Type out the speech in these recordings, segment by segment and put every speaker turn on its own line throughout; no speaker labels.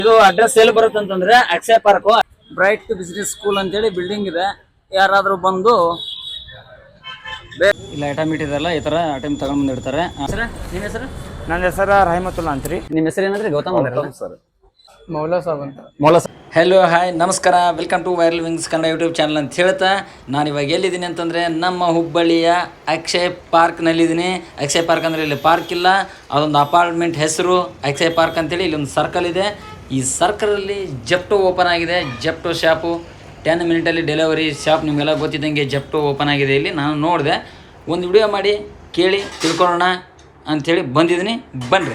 ಇದು ಅಡ್ರೆಸ್ ಎಲ್ಲಿ ಬರುತ್ತೆ ಅಂತಂದ್ರೆ Akshaya park bright business school ಅಂತೇಳಿ ಬಿಲ್ಡಿಂಗ್ ಇದೆ. ಯಾರಾದ್ರೂ ಬಂದು ಇಲ್ಲ ಐಟಮ್ ಇಟ್ಟಿದಾರಲ್ಲ ಈ ತರ ಐಟಮ್ ತಗೊಂಡ್ ಬಂದಿರ್ತಾರೆ. ಸರ್ ನಿಮ್ಮ ಹೆಸರು?
ನನ್ನ ಹೆಸರು ರಹಮತುಲ್ಲಾ ಅಂತ್ರಿ.
ನಿಮ್ಮ ಹೆಸರು ಏನಂದ್ರೆ ಗೌತಮ್
ಸರ್ ಮೌಲಾ ಸಾಬ್ ಅಂತ.
ಹಲೋ ಹಾಯ್ ನಮಸ್ಕಾರ, welcome to Viral Wings Kannada YouTube channel ಅಂತ ಹೇಳ್ತಾ ನಾನು ಇವಾಗ ಎಲ್ಲಿದ್ದೀನಿ ಅಂತಂದರೆ ನಮ್ಮ ಹುಬ್ಬಳ್ಳಿಯ ಅಕ್ಷಯ್ ಪಾರ್ಕ್ನಲ್ಲಿದ್ದೀನಿ. ಅಕ್ಷಯ್ ಪಾರ್ಕ್ ಅಂದರೆ ಇಲ್ಲಿ ಪಾರ್ಕ್ ಇಲ್ಲ, ಅದೊಂದು ಅಪಾರ್ಟ್ಮೆಂಟ್ ಹೆಸರು ಅಕ್ಷಯ್ ಪಾರ್ಕ್ ಅಂತೇಳಿ. ಇಲ್ಲೊಂದು ಸರ್ಕಲ್ ಇದೆ. ಈ ಸರ್ಕಲಲ್ಲಿ ಜೆಪ್ಟೋ ಓಪನ್ ಆಗಿದೆ. ಜೆಪ್ಟೋ ಶಾಪು 10 ಮಿನಿಟಲ್ಲಿ ಡೆಲಿವರಿ ಶಾಪ್. ನಿಮಗೆಲ್ಲ ಗೊತ್ತಿದ್ದಂಗೆ ಜೆಪ್ಟೋ ಓಪನ್ ಆಗಿದೆ ಇಲ್ಲಿ. ನಾನು ನೋಡಿದೆ, ಒಂದು ವಿಡಿಯೋ ಮಾಡಿ ಕೇಳಿ ತಿಳ್ಕೊಳ್ಳೋಣ ಅಂಥೇಳಿ ಬಂದಿದ್ದೀನಿ. ಬನ್ನಿರಿ.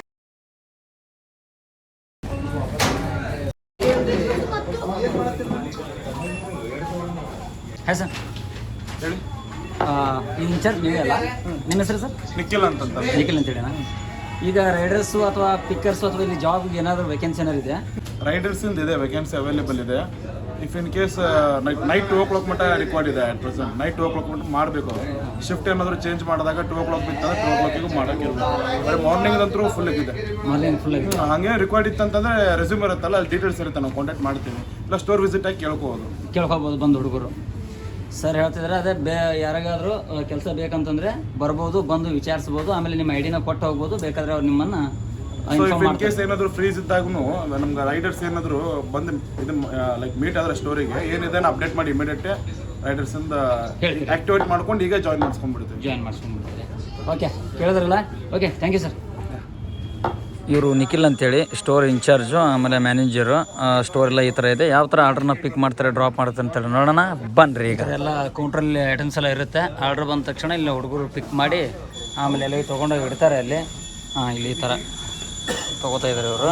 ಹಾಯ್ ಸರ್,
ಹೇಳಿ.
ಇನ್ಚಾರ್ಜ್ ನೀವೇ ಅಲ್ಲ? ನಿಮ್ಮ ಹೆಸರು ಸರ್?
ನಿಖಿಲ್ ಅಂತಂತ.
ನಿಖಿಲ್ ಅಂತೇಳಿನಾ? ಈಗ ರೈಡರ್ಸು ಅಥವಾ ಪಿಕ್ಕರ್ಸು ಅಥವಾ ಇಲ್ಲಿ ಜಾಬ್ಗೆ ಏನಾದರೂ ವೇಕೆನ್ಸಿ ಏನಾದ್ರು ಇದೆ?
ರೈಡರ್ಸಿಂದ ಇದೆ, ವೇಕೆನ್ಸಿ ಅವೈಲೇಬಲ್ ಇದೆ. If in case night 2 o'clock ಮಟ್ಟ ರಿಕ್ವೈರ್ಡ್ ಇದೆ. ಅಟ್ ಪ್ರೆಸೆಂಟ್ ನೈಟ್ 2 o'clock ಮಟ್ಟ ಮಾಡಬೇಕು. ಶಿಫ್ಟ್ ಏನಾದರೂ ಚೇಂಜ್ ಮಾಡಿದಾಗ 2 o'clock ಬಿತ್ತಂದ್ರೆ 2 o'clock ಮಾಡೋಕ್ಕಿಲ್ಲ. ಬರೀ ಮಾರ್ನಿಂಗ್ ಅಂತೂ ಫುಲ್ ಇದೆ.
ಮಾರ್ನಿಂಗ್ ಫುಲ್ ಇದೆ.
ಹಾಗೆ ರಿಕ್ವೈರ್ಡ್ ಇತ್ತಂತಂದ್ರೆ ರೆಸ್ಯೂಮ್ ಇರುತ್ತಲ್ಲ, ಅಲ್ಲಿ ಡೀಟೇಲ್ಸ್ ಇರುತ್ತೆ, ನಾವು ಕಾಂಟ್ಯಾಕ್ಟ್ ಮಾಡ್ತೀವಿ. ಇಲ್ಲ ಸ್ಟೋರ್ ವಿಸಿಟ್ ಆಗಿ ಕೇಳ್ಕೋಬೋದು ಬಂದು ಹುಡುಗರು. ಸರ್ ಹೇಳ್ತಿದ್ರೆ ಅದೇ ಯಾರಿಗಾದರೂ ಕೆಲಸ ಬೇಕಂತಂದ್ರೆ ಬರ್ಬೋದು, ಬಂದು ವಿಚಾರಿಸ್ಬೋದು. ಆಮೇಲೆ ನಿಮ್ಮ ಐಡಿನ ಕೊಟ್ಟು ಹೋಗ್ಬೋದು. ಬೇಕಾದ್ರೆ ಅವ್ರು ನಿಮ್ಮನ್ನು ಇನ್ ಕೇಸ್ ಏನಾದರೂ ಫ್ರೀಸ್ ಇದ್ದಾಗೂ ನಮ್ಗೆ ರೈಡರ್ಸ್ ಏನಾದರೂ ಬಂದು ಇದನ್ನ ಲೈಕ್ ಮೀಟ್ ಆದ್ರೆ ಸ್ಟೋರಿಗೆ ಏನಿದೆ ಅಪ್ಡೇಟ್ ಮಾಡಿ ಇಮಿಡಿಯೇಟ್ ರೈಡರ್ಸಿಂದ ಆಕ್ಟಿವೇಟ್ ಮಾಡ್ಕೊಂಡು ಈಗ ಜಾಯಿನ್ ಮಾಡಿಸ್ಕೊಂಡ್ಬಿಡ್ತೀವಿ.
ಓಕೆ, ಕೇಳಿದ್ರಲ್ಲ? Okay, thank you sir. ಇವರು ನಿಖಿಲ್ ಅಂತೇಳಿ ಸ್ಟೋರ್ ಇನ್ಚಾರ್ಜು, ಆಮೇಲೆ ಮ್ಯಾನೇಜರು. ಸ್ಟೋರ್ ಎಲ್ಲ ಈ ಥರ ಇದೆ. ಯಾವ ಥರ ಆರ್ಡ್ರನ್ನ ಪಿಕ್ ಮಾಡ್ತಾರೆ, ಡ್ರಾಪ್ ಮಾಡ್ತಾರೆ ಅಂತೇಳಿ ನೋಡೋಣ ಬನ್ನಿರಿ. ಈಗ ಎಲ್ಲ ಕೌಂಟ್ರಲ್ಲಿ ಐಟಮ್ಸ್ ಎಲ್ಲ ಇರುತ್ತೆ. ಆರ್ಡ್ರ್ ಬಂದ ತಕ್ಷಣ ಇಲ್ಲಿ ಹುಡುಗರು ಪಿಕ್ ಮಾಡಿ ಆಮೇಲೆ ಎಲ್ಲ ತೊಗೊಂಡೋಗಿ ಇಡ್ತಾರೆ ಅಲ್ಲಿ. ಇಲ್ಲಿ ಈ ಥರ ತೊಗೋತಾ ಇದ್ದಾರೆ ಇವರು.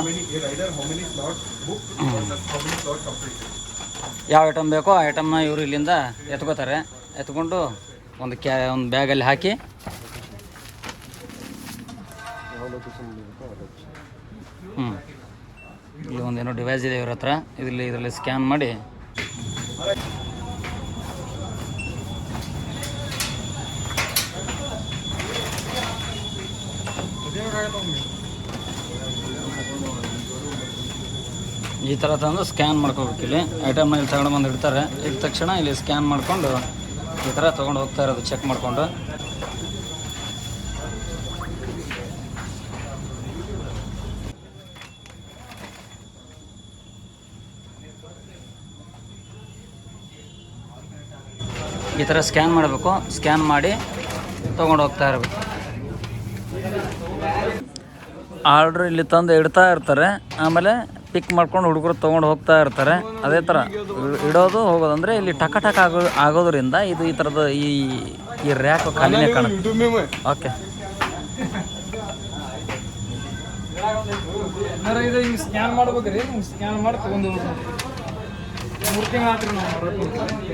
ಯಾವ ಐಟಮ್ ಬೇಕೋ ಆ ಐಟಮ್ನ ಇವರು ಇಲ್ಲಿಂದ ಎತ್ಕೋತಾರೆ. ಎತ್ಕೊಂಡು ಒಂದು ಬ್ಯಾಗಲ್ಲಿ ಹಾಕಿ ಇಲ್ಲಿ ಒಂದೇನೋ ಡಿವೈಸ್ ಇದೆ ಇವ್ರ ಹತ್ರ. ಇದರಲ್ಲಿ ಸ್ಕ್ಯಾನ್ ಮಾಡಿ ಈ ಥರ ತಂದು ಸ್ಕ್ಯಾನ್ ಮಾಡ್ಕೋಬೇಕು. ಇಲ್ಲಿ ಐಟಮ್ನ ಇಲ್ಲಿ ತಗೊಂಡು ಬಂದು ಇಡ್ತಾರೆ. ಇದ್ದ ತಕ್ಷಣ ಇಲ್ಲಿ ಸ್ಕ್ಯಾನ್ ಮಾಡಿಕೊಂಡು ಈ ಥರ ತೊಗೊಂಡು ಹೋಗ್ತಾ ಇರೋದು ಚೆಕ್ ಮಾಡಿಕೊಂಡು. ಈ ಥರ ಸ್ಕ್ಯಾನ್ ಮಾಡಬೇಕು. ಸ್ಕ್ಯಾನ್ ಮಾಡಿ ತೊಗೊಂಡು ಹೋಗ್ತಾ ಇರಬೇಕು. ಆರ್ಡ್ರ್ ಇಲ್ಲಿ ತಂದು ಇಡ್ತಾ ಇರ್ತಾರೆ. ಆಮೇಲೆ ಪಿಕ್ ಮಾಡ್ಕೊಂಡು ಹುಡುಗರು ತೊಗೊಂಡು ಹೋಗ್ತಾ ಇರ್ತಾರೆ. ಅದೇ ಥರ ಇಡೋದು ಹೋಗೋದು. ಅಂದರೆ ಇಲ್ಲಿ ಟಕ ಆಗೋದ್ರಿಂದ ಇದು ಈ ಥರದ ಈ ರ್ಯಾಕ್ ಖಾಲಿನೇ ಕಾಣುತ್ತೆ. ಓಕೆ,
ಇದು ಹಿಂಗೆ ಸ್ಕ್ಯಾನ್ ಮಾಡ್ಬೇಕ್ರಿ. ಹಿಂಗೆ ಸ್ಕ್ಯಾನ್ ಮಾಡಿ ತಗೊಂಡು 3 ತಿಂಗಳು ಆತ್ರಿ ನಾವು.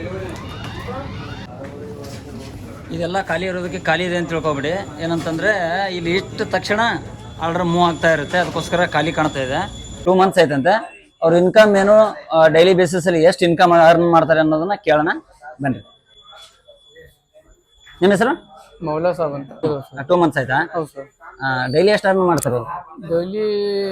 ಇದೆಲ್ಲ ಖಾಲಿ ಇರೋದಕ್ಕೆ ಖಾಲಿ ಇದೆ ಅಂತ ತಿಳ್ಕೊಬೇಡಿ. ಏನಂತಂದರೆ ಇಲ್ಲಿ ಇಷ್ಟ ತಕ್ಷಣ ಆರ್ಡ್ರ್ ಮೂವ್ ಆಗ್ತಾ ಇರುತ್ತೆ. ಅದಕ್ಕೋಸ್ಕರ ಖಾಲಿ ಕಾಣ್ತಾ ಇದೆ. 2 months ಆಯ್ತಂತೆ. ಅವ್ರ ಇನ್ಕಮ್ ಏನು, ಡೈಲಿ ಬೇಸಿಸಲ್ಲಿ ಎಷ್ಟು ಇನ್ಕಮ್ ಅರ್ನ್ ಮಾಡ್ತಾರೆ ಅನ್ನೋದನ್ನ ಕೇಳೋಣ ಬನ್ನಿ. ನಿಮ್ಮ ಹೆಸರು?
ಮೌಲಾ ಸಾಬ್ ಅಂತ.
2 months ಆಯ್ತಾ?
ಹೌದು ಸರ್.
ಡೈಲಿ ಎಷ್ಟು ಅರ್ನ್ ಮಾಡ್ತಾರೆ?
ಡೈಲಿ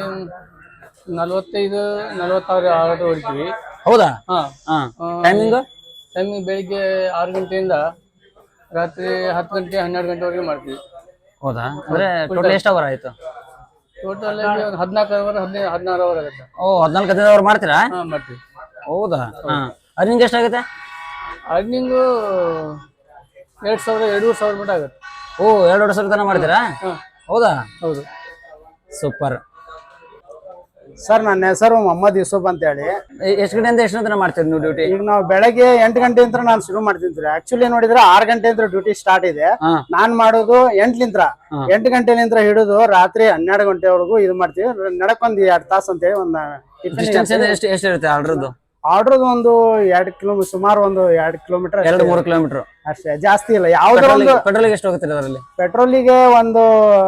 45-46 ಆರ್ಡರ್ ಹೊಡಿತೀವಿ.
ಹೌದಾ? ಟೈಮಿಂಗ್
ಬೆಳಿಗ್ಗೆ 6 ಗಂಟೆಯಿಂದ ರಾತ್ರಿ 10 ಗಂಟೆ 12 ಗಂಟೆವರೆಗೆ ಮಾಡ್ತೀವಿ.
ಹೌದಾ? ಅಂದ್ರೆ ಟೋಟಲ್ ಎಷ್ಟು ಅವರ್ ಆಯ್ತು?
ಟೋಟಲ್ 14 ಅವರ್ 16 ಅವರ್ ಆಗುತ್ತೆ.
14-15 ಅವರ್ ಮಾಡ್ತೀರಾ?
ಮಾಡ್ತೀವಿ.
ಹೌದಾ? ಅರ್ನಿಂಗ್ ಎಷ್ಟಾಗುತ್ತೆ?
ಅರ್ನಿಂಗು 2,000-2,500 ಮಟ್ಟ ಆಗುತ್ತೆ.
2 ಸಾವಿರ ತನಕ ಮಾಡ್ತೀರಾ? ಹೌದಾ?
ಹೌದು.
ಸೂಪರ್.
ಸರ್, ನನ್ನ ಹೆಸರು ಮೊಹಮ್ಮದ್ ಯೂಸುಫ್ ಅಂತ ಹೇಳಿ.
ಎಷ್ಟು ಗಂಟೆಯಿಂದ ಎಷ್ಟು ತನಕ ಮಾಡ್ತೀರಿ ನೀವು ಡ್ಯೂಟಿ?
ಈಗ ನಾವು ಬೆಳಗ್ಗೆ 8 ಗಂಟೆಯಿಂದ ನಾನು ಶುರು ಮಾಡ್ತೀನಿ. ಆಕ್ಚುಲಿ ನೋಡಿದ್ರೆ 6 ಗಂಟೆಯಿಂದ ಡ್ಯೂಟಿ ಸ್ಟಾರ್ಟ್ ಇದೆ. ನಾನ್ ಮಾಡೋದು 8 ಗಂಟೆಲಿಂದ ಹಿಡಿದು ರಾತ್ರಿ 12 ಗಂಟೆವರೆಗೂ ಇದು ಮಾಡ್ತೀವಿ. ನಡಕೊಂದ್ 2 ತಾಸು ಅಂತ ಹೇಳಿ ಒಂದು
ಎಷ್ಟು ಇರುತ್ತೆ ಆರ್ಡ್ರದ್ದು?
ಆರ್ಡ್ರದ್ದು ಒಂದು 2 ಕಿಲೋಮೀಟರ್, ಸುಮಾರು ಒಂದು 2 ಕಿಲೋಮೀಟರ್,
2-3 ಕಿಲೋಮೀಟರ್
ಅಷ್ಟೇ, ಜಾಸ್ತಿ ಇಲ್ಲ. ಯಾವ್ದು
ಪೆಟ್ರೋಲಿಗೆ ಎಷ್ಟು ಹೋಗುತ್ತೆ ಅದರಲ್ಲಿ?
ಪೆಟ್ರೋಲಿಗೆ ಒಂದು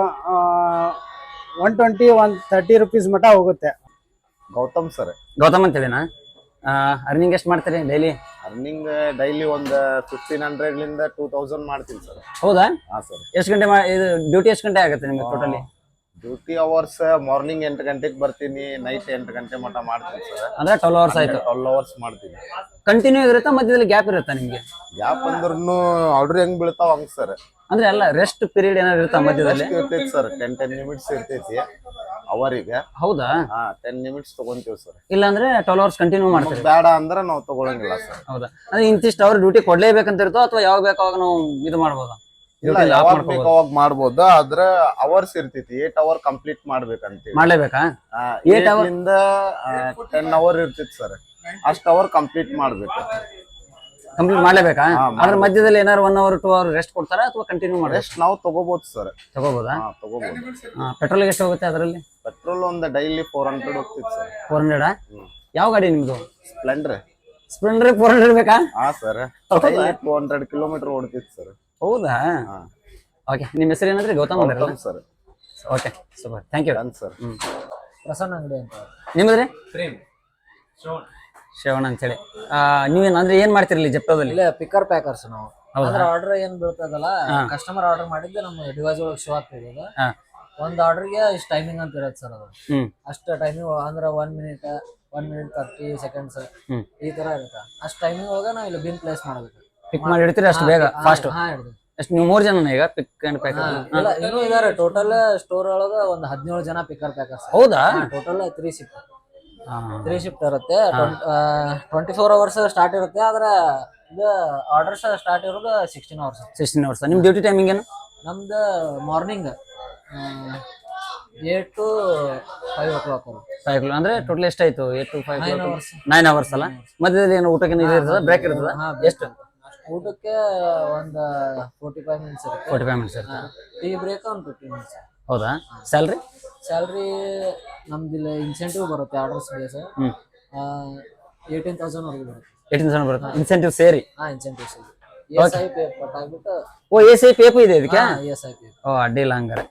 120-130 rupees ಮಟ್ಟ ಹೋಗುತ್ತೆ.
ಗೌತಮ್ ಸರ್.
ಗೌತಮ್ ಅಂತೇಳಿನಾ? ಅರ್ನಿಂಗ್ ಎಷ್ಟು ಮಾಡ್ತೀರಿ ಡೈಲಿ?
ಅರ್ನಿಂಗ್ ಡೈಲಿ ಒಂದು 1500 2000 ಮಾಡ್ತೀನಿ ಸರ್.
ಹೌದಾ?
ಹಾ ಸರ್.
ಎಷ್ಟು ಗಂಟೆ ಇದು ಡ್ಯೂಟಿ ಎಷ್ಟು ಗಂಟೆ ಆಗುತ್ತೆ ನಿಮಗೆ ಟೋಟಲಿ?
ಡ್ಯೂಟಿ ಅವರ್ಸ್ ಮಾರ್ನಿಂಗ್ 8 ಗಂಟೆಗೆ ಬರ್ತೀನಿ, ನೈಟ್ 8 ಗಂಟೆ ಮಟ್ಟ ಮಾಡ್ತೀನಿ ಸರ್.
ಅಂದ್ರೆ 12 ಅವರ್ಸ್ ಆಯ್ತು.
12 ಅವರ್ಸ್ ಮಾಡ್ತೀನಿ.
ಕಂಟಿನ್ಯೂ ಇರುತ್ತಾ, ಮಧ್ಯದಲ್ಲಿ ಗ್ಯಾಪ್ ಇರುತ್ತಾ ನಿಮ್ಗೆ?
ಗ್ಯಾಪ್ ಅಂದ್ರೂ ಆರ್ಡರ್ ಹೆಂಗ್ ಬೀಳ್ತಾವ ಹಂಗ್ ಸರ್.
ಅಂದ್ರೆ ಎಲ್ಲ ರೆಸ್ಟ್ ಪೀರಿಯಡ್ ಏನಾದ್ರು ಇರುತ್ತಾ ಮಧ್ಯದಲ್ಲಿ?
ಇರ್ತೈತಿ ಸರ್, 10 ನಿಮಿಟ್ಸ್ ಇರ್ತೈತಿ ಅವರಿಗೆ.
ಹೌದಾ?
10 ನಿಮಿಟ್ಸ್ ತಗೊಂತೀವಿ ಸರ್.
ಇಲ್ಲಾಂದ್ರೆ 12 ಅವರ್ಸ್ ಕಂಟಿನ್ಯೂ ಮಾಡ್ತೀವಿ.
ಬೇಡ ಅಂದ್ರೆ ನಾವು ತಗೊಳಂಗಿಲ್ಲ ಸರ್.
ಹೌದಾ? ಅಂದ್ರೆ ಇಂತಿಷ್ಟು ಅವ್ರ ಡ್ಯೂಟಿ ಕೊಡ್ಲೇಬೇಕಂತ ಇರುತ್ತೋ ಅಥವಾ ಯಾವಾಗ ಬೇಕು ಅವಾಗ ನಾವು ಇದು ಮಾಡ್ಬೋದಾ?
ಇಲ್ಲ, ಯಾವಾಗ ಬೇಕು ಅವಾಗ ಮಾಡ್ಬೋದು. ಆದ್ರೆ ಅವರ್ಸ್ ಇರ್ತೈತಿ, 8 ಅವರ್ ಕಂಪ್ಲೀಟ್ ಮಾಡ್ಬೇಕಂತೀವಿ.
ಮಾಡ್ಲೇಬೇಕಾ?
8 ಅವರಿಂದ 10 ಅವರ್ ಇರ್ತೈತಿ ಸರ್. ಅಷ್ಟು ಅವರ್ ಕಂಪ್ಲೀಟ್ ಮಾಡ್ಬೇಕು.
ಕಂಪ್ಲೀಟ್ ಮಾಡ್ಲೇಬೇಕಾ? ಅದ್ರ ಮಧ್ಯದಲ್ಲಿ ಏನಾದ್ರು 1 ಅವರ್ 2 ಅವರ್ ರೆಸ್ಟ್ ಕೊಡ್ತಾರಾ ಅಥವಾ ಕಂಟಿನ್ಯೂ ಮಾಡಿ?
ರೆಸ್ಟ್ ನಾವು ತಗೋಬಹುದು ಸರ್.
ತಗೋಬೋದಾ?
ತಗೋಬಹುದು.
ಪೆಟ್ರೋಲ್ ಎಷ್ಟು ಹೋಗುತ್ತೆ ಅದರಲ್ಲಿ?
ಪೆಟ್ರೋಲ್ ಒಂದು ಡೈಲಿ 400 ಹೋಗ್ತಿತ್ತು ಸರ್.
400? ಯಾವ ಗಾಡಿ ನಿಮ್ದು?
ಸ್ಪ್ಲೆಂಡರ್.
400 ಬೇಕಾ?
ಸರ್, ಡೈಲಿ 200 ಕಿಲೋಮೀಟರ್ ಓಡ್ತಿತ್ತು ಸರ್.
ಹೌದಾ? ಓಕೆ, ನಿಮ್ಮ ಹೆಸರು ಏನಂದ್ರೆ? ಗೌತಮ್ ಅವರಲ್ಲ
sir.
Okay, super, thank you
sir.
Prasanna Angadi ಅಂತ.
ನಿಮ್ಮದ್ರಿ? ಶ್ರವಣ ಅಂತೇಳಿ. ನೀವೇನ್ ಅಂದ್ರೆ ಏನ್ ಮಾಡ್ತಿರಲಿ ಜೆಪ್ಟೋದಲ್ಲಿ?
ಇಲ್ಲ, ಪಿಕರ್ ಪ್ಯಾಕರ್ಸ್ ನಾವು. ಅಂದ್ರೆ ಆರ್ಡರ್ ಏನ್ ಬೀಳ್ತದಲ್ಲ, ಕಸ್ಟಮರ್ ಆರ್ಡರ್ ಮಾಡಿದ್ದು ನಮ್ಮ ಡಿವೈಸ್ ಒಳಗೆ ಶೋ ಆಗ್ತಿದೆ. ಒಂದ್ ಆರ್ಡರ್ಗೆ ಇಷ್ಟು ಟೈಮಿಂಗ್ ಅಂತ ಇರತ್ತೆ ಸರ್. ಅದು ಅಷ್ಟು ಟೈಮಿಂಗ್ ಅಂದ್ರೆ 1 ಮಿನಿಟ್ 30 ಸೆಕೆಂಡ್ಸ್ ಈ ತರ ಇರುತ್ತೆ. ಅಷ್ಟು ಟೈಮಿಂಗ್ ಒಳಗೆ ನಾವು ಇಲ್ಲಿ ಬಿಲ್ ಪ್ಲೇಸ್ ಮಾಡಬೇಕು.
ಪಿಕ್ ಮಾಡಿ ಇಡ್ತೀರಿ ಅಷ್ಟು ಬೇಗ, ಫಾಸ್ಟ್? ಎಷ್ಟು ನೀವು 3 ಜನ ಈಗ ಪಿಕ್ ಅಂಡ್ ಪ್ಯಾಕ್?
ಇಲ್ಲ, ಇನ್ನೂ ಇದಾರೆ. ಟೋಟಲ್ ಸ್ಟೋರ್ ಒಳಗ ಒಂದು 17 ಜನ ಪಿಕರ್ ಪ್ಯಾಕರ್ಸ್.
ಹೌದಾ?
ಟೋಟಲ್ 3 ಶಿಫ್ಟ್ ಇರುತ್ತೆ. 24 ಅವರ್ಸ್ ಸ್ಟಾರ್ಟ್ ಇರುತ್ತೆ. ಆದ್ರೆ ಇದು ಆರ್ಡರ್ಸ್ ಸ್ಟಾರ್ಟ್ ಇರೋದು 16 ಅವರ್ಸ್.
16 ಅವರ್ಸ್. ನಿಮ್ ಡ್ಯೂಟಿ ಟೈಮಿಂಗ್ ಏನು?
ನಮ್ದು ಮಾರ್ನಿಂಗ್ 8 to 5 o'clock.
5 o'clock ಅಂದ್ರೆ ಟೋಟಲ್ ಎಷ್ಟಾಯ್ತು? 8 to 5 9 ಅವರ್ಸ್ ಅಲ್ಲ? ಮಧ್ಯದಲ್ಲಿ ಏನು ಊಟಕ್ಕೆ ಇದು ಇರ್ತದ, ಬ್ರೇಕ್ ಇರ್ತದ? ಎಷ್ಟು?
ಊಟಕ್ಕೆ ಒಂದು 45 ಮಿನಿಟ್ಸ್ ಇರುತ್ತೆ.
45 ಮಿನಿಟ್ಸ್ ಇರುತ್ತೆ.
ಟೀ ಬ್ರೇಕ್ ಒಂದು 15 ಮಿನಿಟ್ಸ್.
ಹೌದಾ? ಸ್ಯಾಲ್ರಿ
ನಮ್ದಿಲ್ಲ ಇನ್ಸೆಂಟಿವ್ ಬರುತ್ತೆ. ಆರ್ಡರ್ಸ್ ಬೇಸ್ 18,000 ವರೆಗೂ ಬರುತ್ತೆ.
18,000 ಬರುತ್ತೆ ಇನ್ಸೆಂಟಿವ್ ಸೇರಿ?
ಇನ್ಸೆಂಟಿವ್ಸ್ ESI ಪೇ ಆಗ್ಬಿಟ್ಟು.
ಓ, ESI ಪೇಪು ಇದೆ ಇದಕ್ಕೆ?
ESI pay.
ಓ, ಅಡ್ಡಿಲ್ಲ ಹಂಗಾರೆ.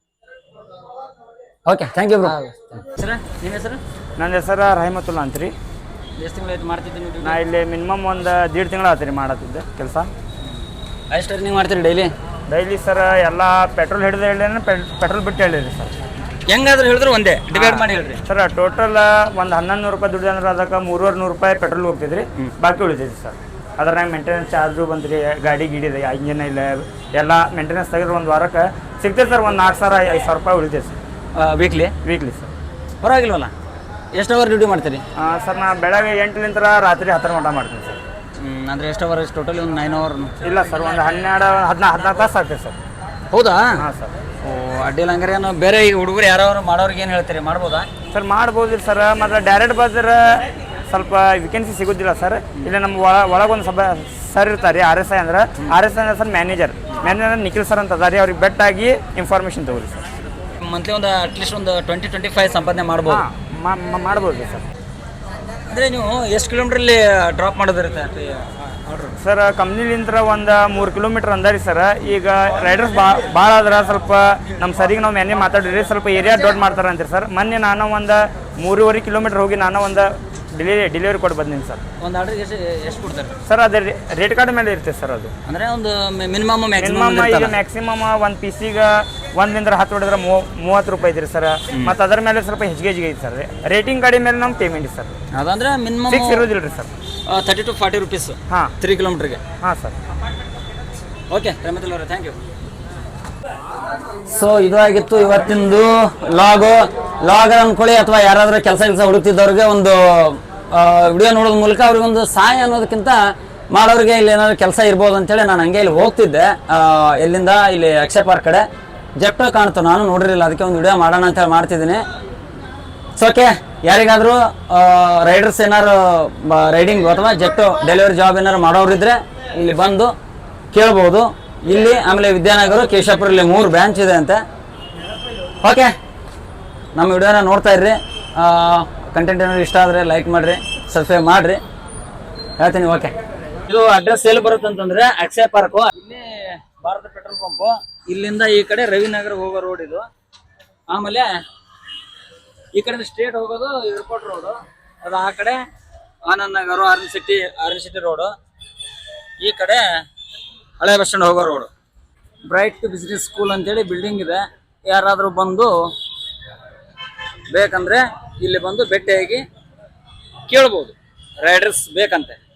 Okay, thank you bro. Sir, ನಿಮ್ಮ ಹೆಸರು?
ನನ್ನ ಹೆಸರು ರಹಿಮತುಲ್ಲಾ ಅಂತ್ರಿ.
ಎಷ್ಟು ತಿಂಗಳು ಮಾಡ್ತಿದ್ದೀನಿ?
ನಾ ಇಲ್ಲಿ ಮಿನಿಮಮ್ ಒಂದು 1.5 ತಿಂಗಳು ಆತ್ರಿ ಮಾಡತ್ತಿದ್ದೆ ಕೆಲಸ.
ಎಷ್ಟು ರನ್ನಿಂಗ್ ಮಾಡ್ತೀರಿ ಡೈಲಿ?
ಡೈಲಿ ಸರ್ ಎಲ್ಲ ಪೆಟ್ರೋಲ್ ಹಿಡಿದು ಹೇಳಿ, ಪೆಟ್ರೋಲ್ ಬಿಟ್ಟು ಹೇಳಿರಿ ಸರ್.
ಹೆಂಗಾದ್ರೂ ಹೇಳಿದ್ರು ಒಂದೇ ಡಿವೈಡ್ ಮಾಡಿ ಹೇಳ್ರಿ
ಸರ್. ಟೋಟಲ್ ಒಂದು 1,100 ರೂಪಾಯಿ ದುಡ್ಡು ಅಂದ್ರೆ ಅದಕ್ಕೆ 300 ರೂಪಾಯಿ ಪೆಟ್ರೋಲ್ ಹೋಗ್ತಿದ್ರಿ, ಬಾಕಿ ಉಳಿತೈತಿ ಸರ್. ಅದ್ರಾಗ ಮೇಂಟೆನೆನ್ಸ್ ಚಾರ್ಜು ಬಂದ್ರಿ, ಗಾಡಿ ಗಿಡಿದೆ, ಇಂಜಿನ್ ಇಲ್ಲ, ಎಲ್ಲ ಮೇಂಟೆನೆನ್ಸ್ ತೆಗೆದ್ರೆ ಒಂದು ವಾರಕ್ಕೆ ಸಿಗ್ತೈತೆ ಸರ್. ಒಂದು 4,000-5,000 ರೂಪಾಯಿ ಉಳಿತೈತೆ ಸರ್ ವೀಕ್ಲಿ ಸರ್.
ಪರವಾಗಿಲ್ವಲ್ಲ? ಎಷ್ಟು ಅವರ್ ಡ್ಯೂಟಿ ಮಾಡ್ತೀರಿ?
ಸರ್, ನಾ ಬೆಳಗ್ಗೆ 8 ರಾತ್ರಿ 10 ಗಂಟೆ ಮಾಡ್ತೀನಿ ಸರ್.
ಅಂದರೆ ಎಷ್ಟು ಅವರ್? ಟೋಟಲಿ ಒಂದು 9 ಅವರ್?
ಇಲ್ಲ ಸರ್, ಒಂದು 12-14 ತಾಸು ಆಗ್ತದೆ ಸರ್.
ಹೌದಾ?
ಹಾಂ ಸರ್.
ಓ, ಅಡ್ಡಿಲ್ಲ ಹಂಗಾರೆ. ಏನು ಬೇರೆ ಈಗ ಹುಡುಗರು ಯಾರು ಮಾಡೋರಿಗೆ ಏನು ಹೇಳ್ತೀರಿ, ಮಾಡ್ಬೋದಾ?
ಸರ್, ಮಾಡ್ಬೋದು ಸರ್. ಮತ್ತು ಡೈರೆಕ್ಟ್ ಬಂದ್ರೆ ಸ್ವಲ್ಪ ವೇಕೆನ್ಸಿ ಸಿಗೋದಿಲ್ಲ ಸರ್. ಇಲ್ಲ ನಮ್ಮ ಒಳಗೊಂದು ಸರ್ ಇರ್ತಾರೆ, RSI ಅಂದ್ರೆ. RSI ಅಂದ್ರೆ ಸರ್ ಮ್ಯಾನೇಜರ್ ನಿಖಿಲ್ ಸರ್ ಅಂತ ಅದಾರಿ. ಅವ್ರಿಗೆ ಬೆಟ್ಟಾಗಿ ಇನ್ಫಾರ್ಮೇಷನ್ ತಗೋರಿ ಸರ್.
ಮಂತ್ಲಿ ಒಂದು ಅಟ್ಲೀಸ್ಟ್ ಒಂದು 20-25 ಸಂಪಾದನೆ ಮಾಡ್ಬೋದು?
ಮಾಡ್ಬೋದು ಸರ್.
ಅಂದರೆ ನೀವು ಎಷ್ಟು ಕಿಲೋಮೀಟ್ರಲ್ಲಿ ಡ್ರಾಪ್ ಮಾಡೋದಿರುತ್ತೆ ಆರ್ಡ್ರ್?
ಸರ್, ಕಂಪ್ನಿಲಿಂದ ಒಂದು 3 ಕಿಲೋಮೀಟ್ರ್ ಅಂದಾರಿ ಸರ್. ಈಗ ರೈಡರ್ಸ್ ಭಾಳ ಆದ್ರೆ ಸ್ವಲ್ಪ ನಮ್ಮ ಸರಿಗೆ ನಾವು ಮ್ಯಾನೇಜ್ ಮಾತಾಡಿರಿ, ಸ್ವಲ್ಪ ಏರಿಯಾ ದೊಡ್ಡ ಮಾಡ್ತಾರೆ ಅಂತೀರಿ ಸರ್. ಮೊನ್ನೆ ನಾನು ಒಂದು 3.5 ಕಿಲೋಮೀಟ್ರ್ ಹೋಗಿ ನಾನು ಒಂದು ಡೆಲಿವರಿ ಕೊಟ್ಟು ಬಂದೀನಿ ಸರ್.
ಒಂದು ಆರ್ಡ್ರಿಗೆ ಎಷ್ಟು ಕೊಡ್ತಾರೆ
ಸರ್? ಅದೇ ರೇಟ್ ಕಾರ್ಡ್ ಮೇಲೆ ಇರ್ತದೆ ಸರ್. ಅದು
ಅಂದರೆ ಒಂದು ಮಿನಿಮಮ್
ಈಗ ಮ್ಯಾಕ್ಸಿಮಮ್ ಒಂದು ಪೀಸಿಗೆ 1-10 ಹೊಡೆದ್ರೆ 30 ರೂಪಾಯಿ ಐತ್ರಿ ಸರ್. ಮತ್ತು ಅದರ ಮೇಲೆ ಸ್ವಲ್ಪ ಹೆಚ್ಚಿಗೆ ಐತಿ ಸರ್. ರೇಟಿಂಗ್ ಗಾಡಿ ಮೇಲೆ ನಮ್ಮ ಪೇಮೆಂಟ್ ಸರ್.
ಅದಂದ್ರೆ ಮಿನಿಮಮ್
ಫಿಕ್ಸ್ ಇರೋದಿಲ್ಲ ರೀ ಸರ್.
30 to 40 rupees.
ಹಾಂ,
3 ಕಿಲೋಮೀಟ್ರಿಗೆ.
ಹಾಂ ಸರ್.
ಓಕೆ ರಮೇಶ್ ಅವರೇ, ಥ್ಯಾಂಕ್ ಯು. ಸೊ ಇದು ಆಗಿತ್ತು ಇವತ್ತಿಂದು ಲಾಗ್ ಅನ್ಕೊಳ್ಳಿ, ಅಥವಾ ಯಾರಾದರೂ ಕೆಲಸ ಹುಡುಕ್ತಿದ್ದವ್ರಿಗೆ ಒಂದು ವಿಡಿಯೋ ನೋಡೋದ್ ಮೂಲಕ ಅವ್ರಿಗೊಂದು ಸಹಾಯ ಅನ್ನೋದಕ್ಕಿಂತ ಮಾಡೋರಿಗೆ ಇಲ್ಲಿ ಏನಾದ್ರು ಕೆಲಸ ಇರ್ಬೋದು ಅಂತೇಳಿ ನಾನು ಹಂಗೆ ಇಲ್ಲಿ ಹೋಗ್ತಿದ್ದೆ. ಎಲ್ಲಿಂದ ಇಲ್ಲಿ ಅಕ್ಷಯ್ ಪಾರ್ಕ್ ಕಡೆ ಜೆಪ್ಟೋ ಕಾಣ್ತು, ನಾನು ನೋಡಿರಲಿಲ್ಲ, ಅದಕ್ಕೆ ಒಂದು ವಿಡಿಯೋ ಮಾಡೋಣ ಅಂತೇಳಿ ಮಾಡ್ತಿದ್ದೀನಿ. ಸೊ ಓಕೆ, ಯಾರಿಗಾದರೂ ರೈಡರ್ಸ್ ಏನಾರು ರೈಡಿಂಗ್ ಅಥವಾ ಜೆಪ್ಟೋ ಡೆಲಿವರಿ ಜಾಬ್ ಏನಾರು ಮಾಡೋರಿದ್ರೆ ಇಲ್ಲಿ ಬಂದು ಕೇಳ್ಬೋದು. ಇಲ್ಲಿ ಆಮೇಲೆ ವಿದ್ಯಾನಗರ, ಕೇಶಾಪುರ, ಇಲ್ಲಿ 3 ಬ್ರಾಂಚ್ ಇದೆ ಅಂತೆ. ಓಕೆ, ನಮ್ಮ ವಿಡಿಯೋನ ನೋಡ್ತಾ ಇರ್ರಿ. ಕಂಟೆಂಟ್ ಏನಾದ್ರು ಇಷ್ಟ ಆದರೆ ಲೈಕ್ ಮಾಡಿರಿ, ಸಬ್ಸ್ಕ್ರೈಬ್ ಮಾಡಿರಿ, ಹೇಳ್ತೀನಿ. ಓಕೆ, ಇದು ಅಡ್ರೆಸ್ ಎಲ್ಲಿ ಬರುತ್ತೆ ಅಂತಂದ್ರೆ ಅಕ್ಷಯ್ ಪಾರ್ಕು, ಇಲ್ಲಿ ಭಾರತ ಪೆಟ್ರೋಲ್ ಪಂಪು, ಇಲ್ಲಿಂದ ಈ ಕಡೆ ರವಿನಗರ ಹೋಗೋ ರೋಡ್ ಇದು. ಆಮೇಲೆ ಈ ಕಡೆ ಸ್ಟ್ರೇಟ್ ಹೋಗೋದು ಏರ್ಪೋರ್ಟ್ ರೋಡು, ಅದು ಆ ಕಡೆ ಆನಂದ್ ನಗರ, ಆರ್ನ್ ಸಿಟಿ ರೋಡು, ಈ ಕಡೆ ಹಳೆ ಬಸ್ ಸ್ಟ್ಯಾಂಡ್ ಹೋಗೋ ರೋಡು. ಬ್ರೈಟ್ ಬಿಸ್ನೆಸ್ ಸ್ಕೂಲ್ ಅಂತೇಳಿ ಬಿಲ್ಡಿಂಗ್ ಇದೆ. ಯಾರಾದರೂ ಬಂದು ಬೇಕಂದ್ರೆ ಇಲ್ಲಿ ಬಂದು ಭೇಟಿಯಾಗಿ ಕೇಳ್ಬೋದು ರೈಡರ್ಸ್ ಬೇಕಂತೆ.